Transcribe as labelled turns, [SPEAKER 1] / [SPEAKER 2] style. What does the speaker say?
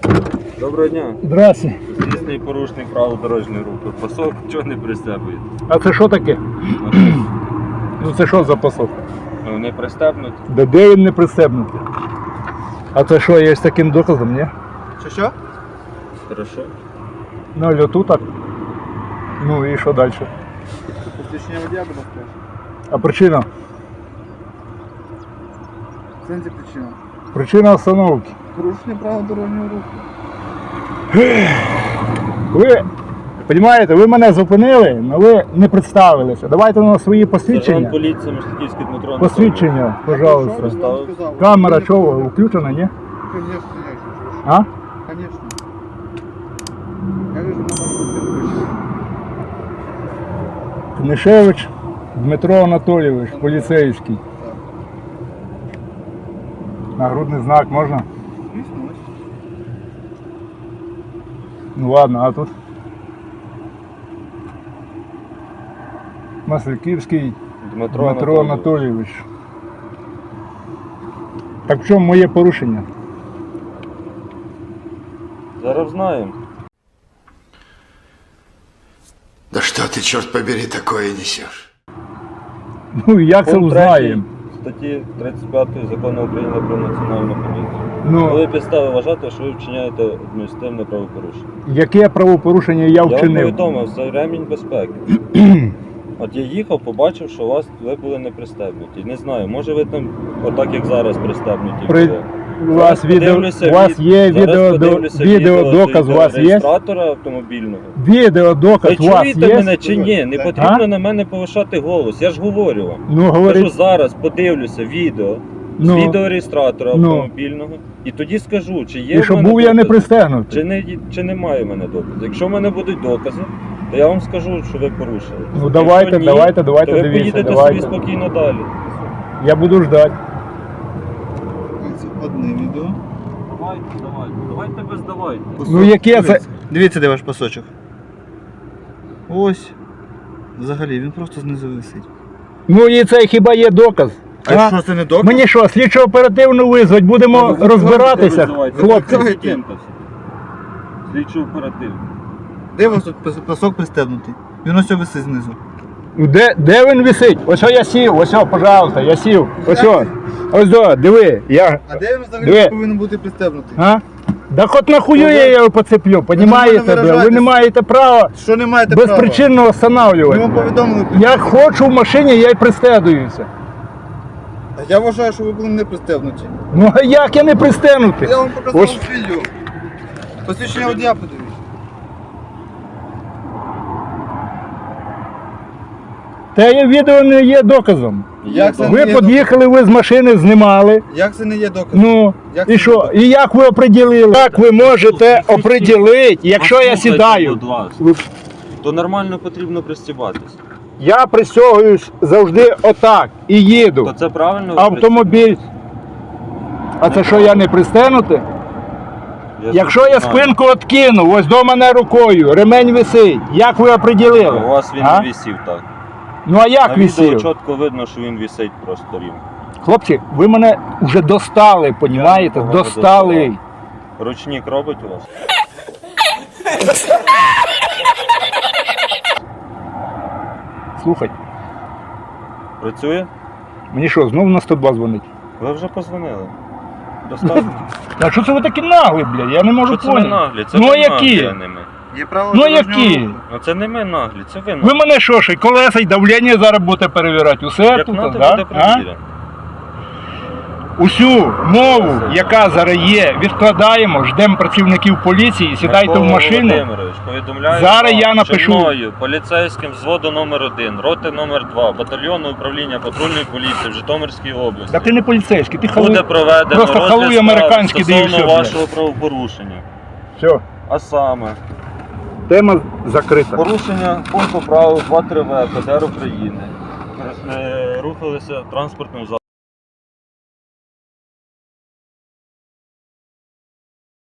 [SPEAKER 1] Доброго дня.
[SPEAKER 2] Здрасте.
[SPEAKER 1] Звісний порушник правил дорожнього руху. Пасок чого не пристебує?
[SPEAKER 2] А це що таке? Ну це що за пасок?
[SPEAKER 1] Ну не пристебнуть.
[SPEAKER 2] Де він не пристебнутий? А це що, є з таким доказом, ні?
[SPEAKER 3] Що?
[SPEAKER 1] Хорошо.
[SPEAKER 2] Ну, льоту так. Ну і що далі?
[SPEAKER 3] Посвідчення водія, будь ласка.
[SPEAKER 2] А причина?
[SPEAKER 3] В сенсі причина.
[SPEAKER 2] Причина остановки.
[SPEAKER 3] Порушення правил дорожнього руху.
[SPEAKER 2] Ви, розумієте, ви мене зупинили, але ви не представилися. Давайте на свої
[SPEAKER 1] Сержант
[SPEAKER 2] посвідчення.
[SPEAKER 1] поліції Мостиківський Дмитро.
[SPEAKER 2] Посвідчення,
[SPEAKER 3] Що
[SPEAKER 2] пожалуйста.
[SPEAKER 3] ви сказали?
[SPEAKER 2] Камера чого, включена, ні?
[SPEAKER 3] Конечно, я еще.
[SPEAKER 2] А?
[SPEAKER 3] Конечно. Я вижу, на вас
[SPEAKER 2] Книшевич Дмитро Анатолійович, поліцейський.
[SPEAKER 3] Так.
[SPEAKER 2] Нагрудний знак можна?
[SPEAKER 3] Звісно, ось.
[SPEAKER 2] Ну ладно, а тут? Масляківський Дмитро Анатолійович. Так в чому моє порушення?
[SPEAKER 1] Зараз знаємо.
[SPEAKER 4] Да что ты, черт побери, такое несешь?
[SPEAKER 2] Ну як це
[SPEAKER 1] Пункт
[SPEAKER 2] узнаємо?
[SPEAKER 1] 3 статті 35 Закону України про національну поліцію.
[SPEAKER 2] Ну,
[SPEAKER 1] Коли підстави вважати, що ви вчиняєте адміністративне правопорушення.
[SPEAKER 2] яке правопорушення я
[SPEAKER 1] Я вам
[SPEAKER 2] вчинив?
[SPEAKER 1] повідомив, це ремінь безпеки. От я їхав, побачив, що ви були не пристебнуті. Не знаю, може ви там, отак як зараз, пристебнуті були.
[SPEAKER 2] У вас є відеодоказ, у вас є?
[SPEAKER 1] Реєстратора автомобільного.
[SPEAKER 2] Відеодоказ
[SPEAKER 1] Ви
[SPEAKER 2] у вас
[SPEAKER 1] чуєте
[SPEAKER 2] є?
[SPEAKER 1] мене чи ні? Не потрібно на мене повишати голос, я ж говорю вам.
[SPEAKER 2] Ну,
[SPEAKER 1] Кажу,
[SPEAKER 2] говорить,
[SPEAKER 1] зараз подивлюся відео з
[SPEAKER 2] ну,
[SPEAKER 1] відеореєстратора
[SPEAKER 2] ну.
[SPEAKER 1] автомобільного і тоді скажу, чи є
[SPEAKER 2] і
[SPEAKER 1] в
[SPEAKER 2] що
[SPEAKER 1] мене
[SPEAKER 2] був я не
[SPEAKER 1] докази,
[SPEAKER 2] пристегнутий.
[SPEAKER 1] чи немає в мене доказів. Якщо в мене будуть докази, то я вам скажу, що ви порушили.
[SPEAKER 2] Ну давайте,
[SPEAKER 1] Якщо ні,
[SPEAKER 2] давайте,
[SPEAKER 1] то ви
[SPEAKER 2] дивіться,
[SPEAKER 1] поїдете
[SPEAKER 2] давайте.
[SPEAKER 1] собі спокійно далі.
[SPEAKER 2] Я буду ждати.
[SPEAKER 3] Це одне відео.
[SPEAKER 1] Давайте без давайте.
[SPEAKER 2] Ну яке це?
[SPEAKER 3] Дивіться, де ваш пасочок. Ось. Взагалі, він просто знизу висить.
[SPEAKER 2] Ну і це хіба є доказ?
[SPEAKER 3] А що, це не доказ?
[SPEAKER 2] Мені що, слідчо оперативно визвать, будемо розбиратися, хлопці.
[SPEAKER 1] Слідчо оперативно.
[SPEAKER 3] Де у вас тут пасок пристебнутий? Він ось висить знизу.
[SPEAKER 2] Де він висить? Ось я сів, ось, пожалуйста, я сів. Ось до, диви, я.
[SPEAKER 3] А де він взагалі
[SPEAKER 2] Диви.
[SPEAKER 3] повинен бути пристебнутий?
[SPEAKER 2] А? Да хоч нахую я його поцеплю, понімаєте? Ви не
[SPEAKER 3] виражатись.
[SPEAKER 2] маєте права
[SPEAKER 3] Що не маєте права?
[SPEAKER 2] безпричинно
[SPEAKER 3] Ми
[SPEAKER 2] встановлювати.
[SPEAKER 3] вам повідомили.
[SPEAKER 2] Я хочу в машині, я й пристегуюся.
[SPEAKER 3] А я вважаю, що ви були не пристебнуті.
[SPEAKER 2] Ну а як я не пристегнутий?
[SPEAKER 3] Я вам показав
[SPEAKER 2] Ось.
[SPEAKER 3] відео. Посвідчення водія подивіться.
[SPEAKER 2] Те відео не є доказом.
[SPEAKER 3] Як це
[SPEAKER 2] Ви
[SPEAKER 3] не є
[SPEAKER 2] під'їхали, ви з машини знімали.
[SPEAKER 3] Як це не є доказом?
[SPEAKER 2] Ну,
[SPEAKER 3] Як
[SPEAKER 2] і
[SPEAKER 3] це
[SPEAKER 2] що?
[SPEAKER 3] не
[SPEAKER 2] І як ви оприділили? Як ви можете оприділити, якщо я
[SPEAKER 1] Послухайте,
[SPEAKER 2] сідаю?
[SPEAKER 1] будь ласка.
[SPEAKER 2] Ви-
[SPEAKER 1] То нормально потрібно пристібатися.
[SPEAKER 2] Я пристягуюсь завжди отак і
[SPEAKER 1] То
[SPEAKER 2] їду.
[SPEAKER 1] це правильно? ви
[SPEAKER 2] Автомобіль. А це що, я не пристегнутий?
[SPEAKER 1] пристібаєтесь?
[SPEAKER 2] Якщо я
[SPEAKER 1] знаю.
[SPEAKER 2] спинку откину, ось до мене рукою, ремень висить, як ви оприділили?
[SPEAKER 1] У вас він
[SPEAKER 2] А?
[SPEAKER 1] не висів так.
[SPEAKER 2] Ну а як
[SPEAKER 1] На відео
[SPEAKER 2] висів?
[SPEAKER 1] чітко видно, що він висить просто рівно.
[SPEAKER 2] Хлопці, ви мене вже достали, понімаєте?
[SPEAKER 1] нікого не
[SPEAKER 2] Достали.
[SPEAKER 1] доставав. Ручник робить у вас?
[SPEAKER 2] Слухай,
[SPEAKER 1] Працює?
[SPEAKER 2] мені що, знову на 102 дзвонить?
[SPEAKER 1] Ви вже позвонили. Достатньо.
[SPEAKER 2] А що це ви такі наглі, блядь? Я не можу
[SPEAKER 1] Що це ви
[SPEAKER 2] поняти.
[SPEAKER 1] наглі? Це
[SPEAKER 2] Ну,
[SPEAKER 1] ви
[SPEAKER 2] які?
[SPEAKER 1] наглі, а не ми.
[SPEAKER 3] Є право
[SPEAKER 2] Ну
[SPEAKER 3] дорожнього
[SPEAKER 2] які?
[SPEAKER 3] руху.
[SPEAKER 1] Ну це не ми наглі, це ви наглі.
[SPEAKER 2] Ви мене що, ще й колеса й давлення зараз будете перевіряти? Усе
[SPEAKER 1] Як
[SPEAKER 2] тут,
[SPEAKER 1] надо,
[SPEAKER 2] да?
[SPEAKER 1] буде
[SPEAKER 2] А?
[SPEAKER 1] перевірено.
[SPEAKER 2] Усю мову, яка зараз є, відкладаємо, ждемо працівників поліції, сідайте в
[SPEAKER 1] Микола
[SPEAKER 2] машину.
[SPEAKER 1] Володимирович, повідомляю
[SPEAKER 2] Зараз
[SPEAKER 1] вам,
[SPEAKER 2] я напишу.
[SPEAKER 1] що мною, поліцейським взводу номер 1, роти номер 2, батальйону управління патрульної поліції в Житомирській області.
[SPEAKER 2] Та ти не поліцейський, ти халуй.
[SPEAKER 1] Буде проведено
[SPEAKER 2] Просто
[SPEAKER 1] розгляд
[SPEAKER 2] халуй
[SPEAKER 1] справи
[SPEAKER 2] американський, де і
[SPEAKER 1] стосовно
[SPEAKER 2] все,
[SPEAKER 1] вашого правопорушення.
[SPEAKER 2] Все,
[SPEAKER 1] А саме,
[SPEAKER 2] тема закрита.
[SPEAKER 1] порушення пункту правил 2.3В ПДР України. Рухалися транспортним засобом.